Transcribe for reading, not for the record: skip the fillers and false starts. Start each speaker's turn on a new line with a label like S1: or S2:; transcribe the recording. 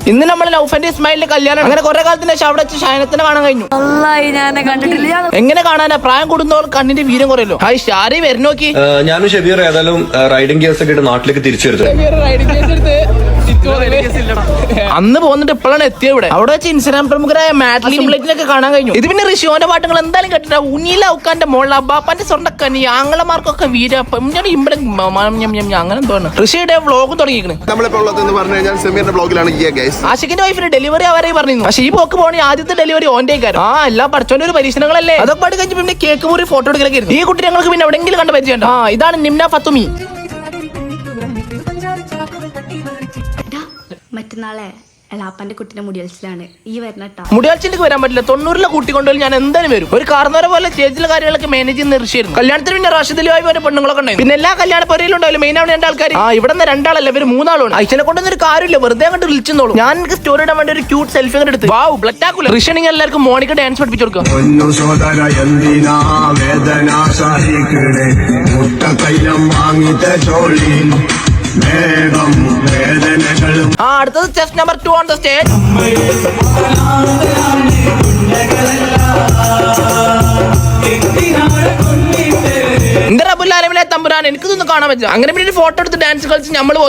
S1: ഇന്ന് നമ്മൾ ലൗഫന്റെ ഇസ്മായിലിന്റെ കല്യാണം. അങ്ങനെ കുറെ കാലത്തിന് ശേഷം അവിടെ വെച്ച് ഷൈനത്തിനെ കാണാൻ കഴിഞ്ഞു. എങ്ങനെ കാണാനാ? പ്രായം കൂടുന്നവർ കണ്ണിന്റെ വീരം കുറയല്ലോ. ഹായ് ഷാരി വരുന്നോക്കി.
S2: ഞാനും ഷബീർ ഏതായാലും റൈഡിംഗ് കേസ് ഒക്കെ നാട്ടിലേക്ക് തിരിച്ചു
S1: അന്ന് പോന്നിട്ട് ഇപ്പോഴാണ് എത്തിയത് ഇവിടെ. അവിടെ വെച്ച് ഇൻസ്റ്റാഗ്രാം പ്രമുഖരായ മാറ്റ്ലിനൊക്കെ കാണാൻ കഴിഞ്ഞു. ഇത് പിന്നെ ഋഷിയോന്റെ പാട്ടുകൾ എന്തായാലും കേട്ടിട്ടാ. ഉന്നീല ഔക്കാന്റെ മോളിൽ അബ്ബാപ്പാന്റെ സ്വർണ്ണക്കനി ആങ്ങളമാർക്കൊക്കെ വീരപ്പം ഇവിടെ അങ്ങനെ എന്തോന്ന് ഋഷിയുടെ വ്ളോഗ് തുടങ്ങിയിരിക്കുന്നത്.
S3: നമ്മളിപ്പോൾ ഉള്ളതെന്ന് പറഞ്ഞു കഴിഞ്ഞാൽ സെമീറിന്റെ ബ്ലോഗിലാണ്
S1: ആഷിഖിന്റെ വൈഫിന് ഡെലിവറി അവരെ പറഞ്ഞു. പക്ഷേ ഈ പോക്ക് പോണി ആദ്യത്തെ ഡെലിവറി ഓന്റെ കാര്യം. ആ എല്ലാം പഠിച്ചോന്റെ ഒരു പരീക്ഷണങ്ങളല്ലേ. അതൊക്കെ പാട് കഴിഞ്ഞ് പിന്നെ കേക്ക് മുറി ഫോട്ടോ എടുക്കലൊക്കെ. ഈ കുട്ടി ഞങ്ങൾക്ക് പിന്നെ എവിടെയെങ്കിലും കണ്ട പരിചയം. ആ ഇതാണ് നിംന ഫത്തുമി.
S4: മറ്റന്നാളെ എളാപ്പന്റെ കുട്ടിന്റെ മുടിയൽച്ചിലാണ് ഈ വരണട്ടാ.
S1: മുടിയാഴ്ചയിലേക്ക് വരാൻ പറ്റില്ല. 90 കൂട്ടിക്കൊണ്ടുപോയി ഞാൻ എന്തായാലും വരും. ഒരു കാർന്നവരെ പോലെ സ്റ്റേജിലെ കാര്യങ്ങളൊക്കെ മാനേജ് ചെയ്യുന്ന ഋഷിയായിരുന്നു. കല്യാണത്തിന് പിന്നെ റാഷിദലിയായി പോലെ പെണ്ണുങ്ങളൊക്കെ ഉണ്ടായിരുന്നു. പിന്നെ എല്ലാ കല്യാണ പരിയിലുണ്ടാവില്ല. മെയിൻ ആണ് 2 ആൾക്കാർ. ആ ഇവിടെ നിന്ന് 2 ആളല്ല, ഇവര് 3 ആളാണ്. അയച്ചനെ കൊണ്ടൊന്നും ഒരു കാര്യമില്ല, വെറുതെ അങ്ങോട്ട് വിളിച്ചെന്നോളൂ. ഞാൻ എനിക്ക് സ്റ്റോറി ഇടാൻ വേണ്ടി ഒരു ക്യൂട്ട് സെൽഫി അങ്ങോട്ട് എടുത്ത്. വാവ് ബ്ലറ്റാക്കുല. ഋഷിയാണെങ്കിൽ എല്ലാവർക്കും മോണിക്ക ഡാൻസ് പഠിപ്പിച്ചു കൊടുക്കുക. അടുത്തത് chess number 2 on the stage. എന്താ റബ്ബുൽ ആലമീനെ തമ്പുരാൻ എനിക്കിതൊന്നും കാണാൻ പറ്റില്ല. അങ്ങനെ പിന്നെ ഒരു ഫോട്ടോ എടുത്ത് ഡാൻസ് കളിച്ച് നമ്മൾ